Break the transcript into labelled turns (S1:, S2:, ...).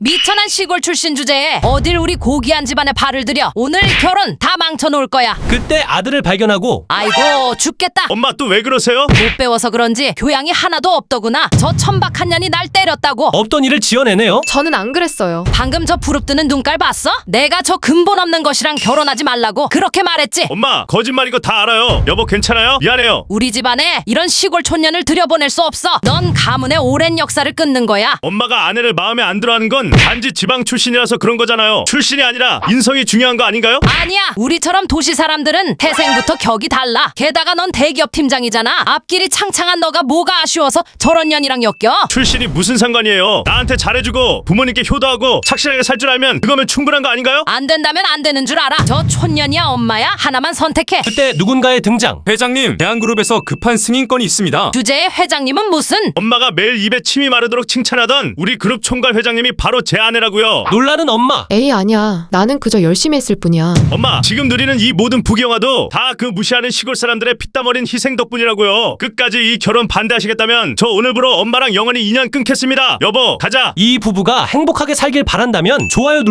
S1: 미천한 시골 출신 주제에 어딜 우리 고귀한 집안에 발을 들여 오늘 결혼 다 망쳐놓을 거야.
S2: 그때 아들을 발견하고
S1: 아이고 죽겠다.
S3: 엄마 또 왜 그러세요?
S1: 못 배워서 그런지 교양이 하나도 없더구나. 저 천박한 년이 날 때렸다고.
S2: 없던 일을 지어내네요.
S4: 저는 안 그랬어요.
S1: 방금 저 부릅뜨는 눈깔 봤어? 내가 저 근본 없는 것이랑 결혼하지 말라고 그렇게 말했지.
S3: 엄마 거짓말인 거 다 알아요. 여보 괜찮아요? 미안해요.
S1: 우리 집안에 이런 시골 촌년을 들여보낼 수 없어. 넌 가문의 오랜 역사를 끊는 거야.
S3: 엄마가 아내를 마음에 안 들어하는 건 단지 지방 출신이라서 그런 거잖아요. 출신이 아니라 인성이 중요한 거 아닌가요?
S1: 아니야. 우리처럼 도시 사람들은 태생부터 격이 달라. 게다가 넌 대기업 팀장이잖아. 앞길이 창창한 너가 뭐가 아쉬워서 저런 년이랑 엮여?
S3: 출신이 무슨 상관이에요. 나한테 잘해주고 부모님께 효도하고 착실하게 살 줄 알면 그거면 충분한 거 아닌가요?
S1: 안 된다면 안 되는 줄 알아. 저 촌년이야 엄마야? 하나만 선택해.
S2: 그때 누군가의 등장.
S5: 회장님, 대한그룹에서 급한 승인건이 있습니다.
S1: 주제의 회장님은 무슨?
S3: 엄마가 매일 입에 침이 마르도록 칭찬하던 우리 그룹 총괄 회장님이 바로 제 아내라고요.
S2: 놀라는 엄마.
S4: 에이 아니야. 나는 그저 열심히 했을 뿐이야.
S3: 엄마 지금 누리는 이 모든 부경화도 다 그 무시하는 시골 사람들의 피땀 어린 희생 덕분이라고요. 끝까지 이 결혼 반대하시겠다면 저 오늘부로 엄마랑 영원히 인연 끊겠습니다. 여보 가자.
S2: 이 부부가 행복하게 살길 바란다면 좋아요